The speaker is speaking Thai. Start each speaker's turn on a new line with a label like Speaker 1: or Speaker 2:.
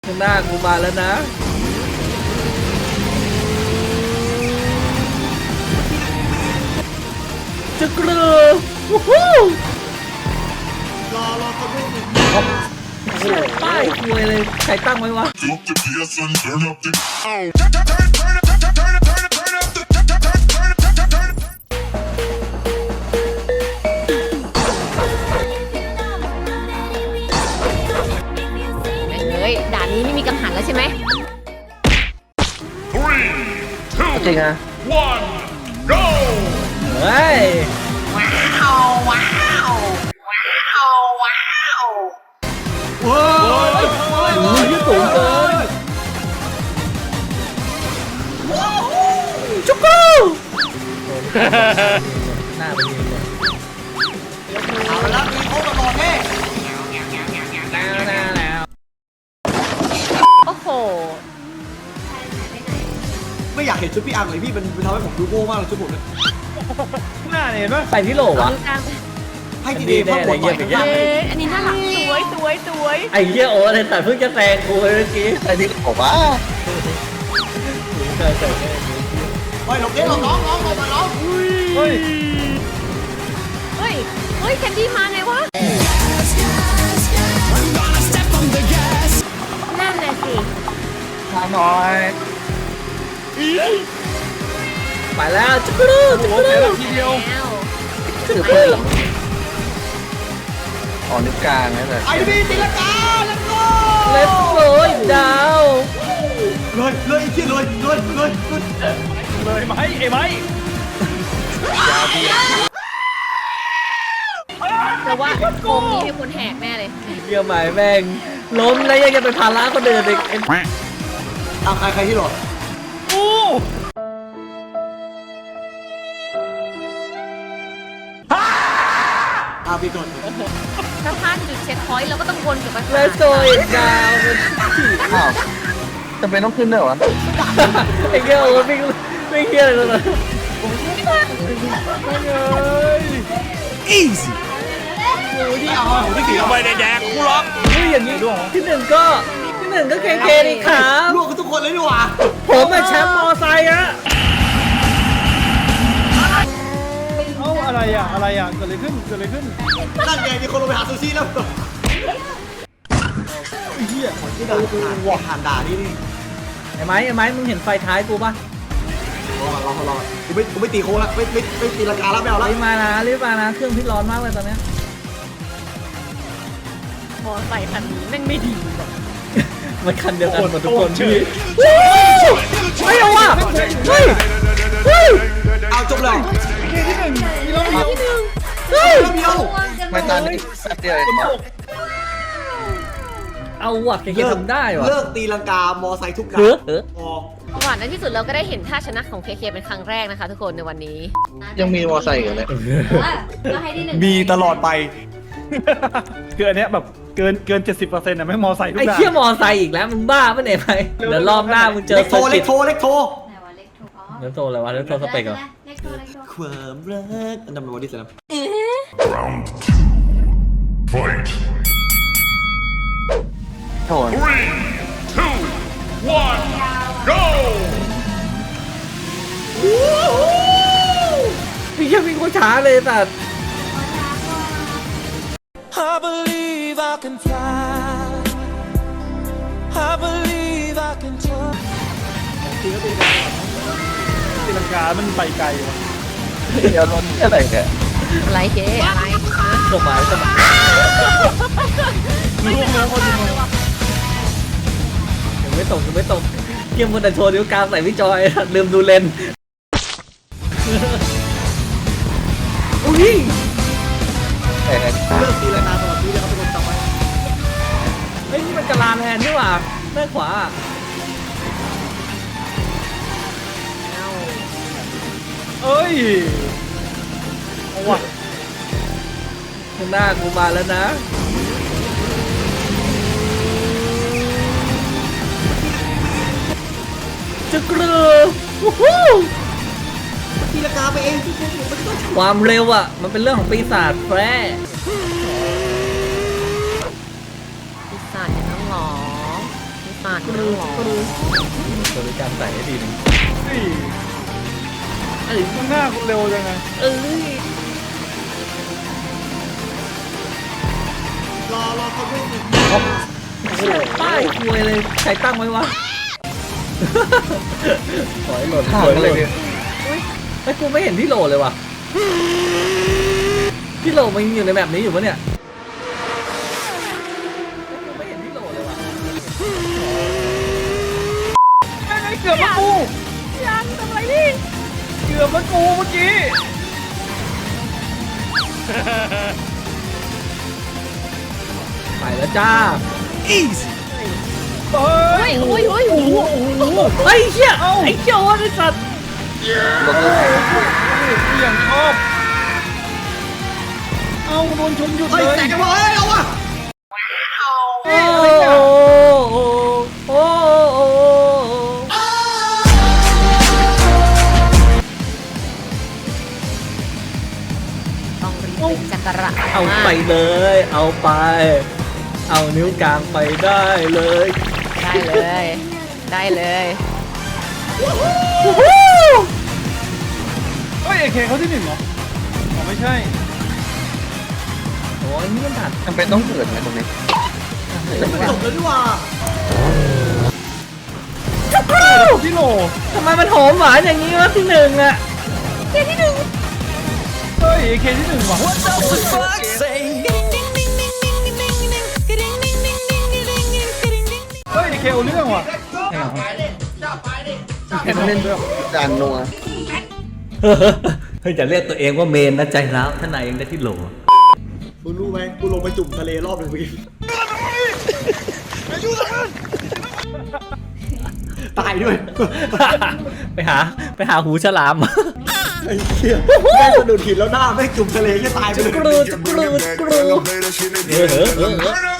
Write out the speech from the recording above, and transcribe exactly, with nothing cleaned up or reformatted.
Speaker 1: ข้างหน้ากูมาแล้วนะจะกลือวู้ฮู้
Speaker 2: รอรอเขาดูหนึ่ง
Speaker 1: ป้ายคุยเลยใครตั้งไว้วะ
Speaker 3: เฮ้ยด่านนี้ไม่มีกังหันแล้วใช่ไหม
Speaker 1: จริงอะเฮ้ย
Speaker 3: ว้าวว้าวว้าวว้าว
Speaker 2: ว้าว
Speaker 1: โอ้ยสูงเกินจุ๊กกูหน้าไปนี่เลย
Speaker 2: เอาละมีโค้งมาบอกแม่
Speaker 1: แล้วแล้วแล้ว
Speaker 3: โอ้โห
Speaker 2: ไม่อยากเห็นชุดพี่อังเลยพี่มันทำให้ผมดูโง่มากเลยชุดผมเนี่ย
Speaker 1: หน้าเนี่ยเห็นปะใส่ที่โหลวะ
Speaker 3: ดูกลาง
Speaker 2: ให้ดีๆพ่อปวดต่อยข้าง
Speaker 3: เอ๊
Speaker 2: ๆเลย
Speaker 3: ะอันนี้น่ารักสวยสวยสวย
Speaker 1: ไอ้เหี้ยโอ้เลยแต่เพิ่งจะแซงกูเมื่อกี้ไอ้ที่ผมว่าใส่ใส่ใส่
Speaker 2: เฮ้ยหลบเด้หลบน้องน้องหลบมาน้อง
Speaker 1: เฮ้ย
Speaker 3: เฮ้ยเฮ้ยแคนดี้มาไงวะนั่นแหละสิ
Speaker 1: มาหน่อยไปแล้วจุ๊กรูจุ๊กรูทีเดียว
Speaker 3: แล้ว
Speaker 1: ถือเพื่อนอ๋อนิ้วกลางนั่นแหละ
Speaker 2: ไอ้พี่ตีลังกาแล้วก็
Speaker 1: เล็บโรยดาว
Speaker 2: เลยเลยไอ้เชี่ยเลยเลยเลยเลย
Speaker 4: เลยไหมไอ้ไหม
Speaker 3: แต่ว่าโกงนี้มีคนแหกแน่เลย
Speaker 1: เยี่ยมใหม่แม่งล้มแล้วยังจะเป็นภาระคนเดินอีก
Speaker 2: เอาใครใครที่หลบ
Speaker 4: อู้
Speaker 2: เอาพี่กด
Speaker 3: ถ้าพลาดจุดเช็คพอยต์เราก็ต้องวนกลับไป
Speaker 1: เล็บโรยดาวอ้าวจำเป็นต้องขึ้นด้วยวะไอ้เงี้ยโอ้ไม่ไม่เงี้ยเลยนะ
Speaker 2: อีซี่โอ้ยนี่เอาผมไม่ตีเอาไป
Speaker 4: ไม่ได้แดกกูหรอก
Speaker 1: เฮ้ยอย่างนี้ที่หนึ่งก็ที่หนึ่งก็เคเคดีครับ
Speaker 2: ลูกกันทุกคนเลยดีกว่า
Speaker 1: ผมเป็นแชมป์มอไซค์อะ
Speaker 4: เอ้าอะไรอ่ะอะไรอ่ะเกิดอะไรขึ้นเกิดอะไรขึ้น
Speaker 2: นั่นไงมีคนลงไปหาซูชิแล้วเฮียที่ด่าว่ะหันด่านี่นี่
Speaker 1: ไอ้ไม้ไอ้ไม้มึงเห็นไฟท้ายกูปะ
Speaker 2: รอรอรอกูไม่กูไม่ตีโค้งแล้วไม่ไม่ไม่ตีลังกาแล้วไม่เอาแล้ว
Speaker 1: รีบมานะรีบมานะเครื่องพิษร้อนมากเลยตอนเนี้ย
Speaker 3: มอไซค์คันนี้แม่งไม่ดีว่ะ
Speaker 1: มันคันเดียวกันหมดทุกคนพี่ไม่เอาว่ะเฮ้ยเฮ้ย
Speaker 2: เอาจบเลย
Speaker 3: ที่หนึ่ง
Speaker 1: เฮ้ย
Speaker 2: เดียว
Speaker 1: ไม่ตอนนี้แป๊บเดียวเอาว่ะเคเคทำได้ว่ะ
Speaker 2: เลิกตีลังกามอไซค์ทุกกา
Speaker 1: เฮ้
Speaker 2: ร
Speaker 1: อเฮ้อ
Speaker 2: พอ
Speaker 3: หวานในที่สุดเราก็ได้เห็นท่าชนะของเคเคเป็นครั้งแรกนะคะทุกคนในวันนี้
Speaker 1: ยังมีมอไซค์อยู่เลย
Speaker 5: ก็ให้ที่หนึ่ง
Speaker 4: มีตลอดไปคืออันเนี้ยแบบเกินเกินเจ็ดสิบเปอร์เซ็นต์อ่ะไม่มอไซค์ทุก
Speaker 1: ไอ้
Speaker 4: อย่าง
Speaker 1: เชี่ยมอไซค์อีกแล้วมึงบ้าปะเนี่ยไปเดี๋ยวรอบหน้ามึงเจอ
Speaker 2: เล็กโทร
Speaker 1: เซอร์
Speaker 2: เล็
Speaker 1: กิ
Speaker 2: ก
Speaker 1: ต
Speaker 2: โทรเล็กโทร
Speaker 5: ไหนวะเล็กถูกอ๋อ
Speaker 1: เล็กโทรอะไรวะเล็กโทรสเปกเหรอ
Speaker 5: เล็กโทรเล็กโทร
Speaker 2: ความรักอันนั้นเป็นวันที่สาม
Speaker 6: Round two. Fight.
Speaker 1: โทร
Speaker 6: Three, two, one, go!
Speaker 1: พี่เชี่ยวิ่งโคตรช้าเลยแต่
Speaker 7: I believe I can fly. I believe I can fly.
Speaker 4: ตีลังกามันไปไกลว่ะ
Speaker 1: เดี๋ยวรถอะไรเนี่ย
Speaker 3: อะไรเคอะไร
Speaker 1: สบายสบาย
Speaker 4: รู้แล้วคนดู
Speaker 1: ยังไม่ตกยังไม่ตกเกียมคนแต่โชว์นิ้วกลางใส่พี่จอยลืมดูเลนอุ้ย
Speaker 2: เลิกตีลังกาตลอดชีวิตเลยครับทุกคนจำไว้
Speaker 1: เฮ้ยนี่มันกะลาแทนนี่หว่าด้านขวา
Speaker 4: เอ้ยเอาว่ะ
Speaker 1: ข้างหน้ากูมาแล้วนะจะกลือวู้ฮู้
Speaker 2: ตีลังกาไปเองทุกคนผมไม่ต้อง
Speaker 1: ความเร็วอ่ะ มันเป็นเรื่องของปีศาจแฝง
Speaker 3: ปีศาจอย่างนั้นหรอปีศอ่ะกูรู้กูรู้
Speaker 1: บริการใส่ให้ดีหนึง
Speaker 4: เฮ้ยไอ้ข้างหน้าคุณเร็วจังไง
Speaker 1: เอ้ย
Speaker 2: รอรอเขาด้วย
Speaker 1: ป้ายคุยเลยใครตั้งไว้วะขอให้โหลดทางเลยเนี่ยไอ้กูไม่เห็นที่โหลดเลยว่ะที่โหลดมันอยู่ในแบบนี้อยู่ปะเนี่ยกูไม่เห็นที่โหลดเลยว่ะ
Speaker 4: ไม่ไม่เกือบมากูยังทำไรนี่เกือบมากูเมื่อกี้
Speaker 1: ไปแล้วจ้า
Speaker 2: easy
Speaker 4: เฮ้ย
Speaker 3: โอ้ยโอ้ยโอ้ย
Speaker 1: ไอ้เหี้ยไอ้เจ้าไอ้สัตว์
Speaker 4: อย่างชอบเอาโดนชนหยุด
Speaker 2: เฮ้ย
Speaker 4: เลย
Speaker 2: แตกกันหมดเลยเอาวะ
Speaker 1: โอ้โหโอ้โห
Speaker 3: ต้องรีบเป็นจักระ
Speaker 1: เอาไปเลย เอาไป เอานิ้วกลางไปได้เลย
Speaker 3: ได้เลย ได้เลย
Speaker 4: เฮ้ยเอเคเขาที่หนึ่งเหรออ๋อไม่ใช่
Speaker 1: โอ้ยนี่มันถัด
Speaker 8: จำเป็นต้องเกิดไหมตรงนี้
Speaker 2: ไม่จบแล้วดีกว่า
Speaker 4: ที่โหล
Speaker 1: ทำไมมันหอมหวานอย่างนี้วะที่หนึ่งอะ
Speaker 4: เฮ้ยเอเคที่หนึ่งว่ะ
Speaker 7: fuck say
Speaker 4: เฮ้ยเอเคเอาเรื่องว่ะ
Speaker 1: เห็นเล่นด้วย
Speaker 8: จานนัว
Speaker 1: เฮ้ยจะเรียกตัวเองว่าเมนนะใจร้าวท่านนายยังได้ที่โหล
Speaker 2: มึงรู้ไหมกูลงไปจุ่มทะเลรอบหนึ่งเมื่อกี้ตายด้วย
Speaker 1: ไปหาไปหาหูฉลาม
Speaker 2: ไอ้เหี้ยแม่งสะดุดหินแล้วหน้าแม่งจุ่มทะเลแค่ตายไปเลย
Speaker 1: กรูดกรูดกรูด
Speaker 6: Elevator, shit, it
Speaker 1: เออเออเออ
Speaker 6: Burn up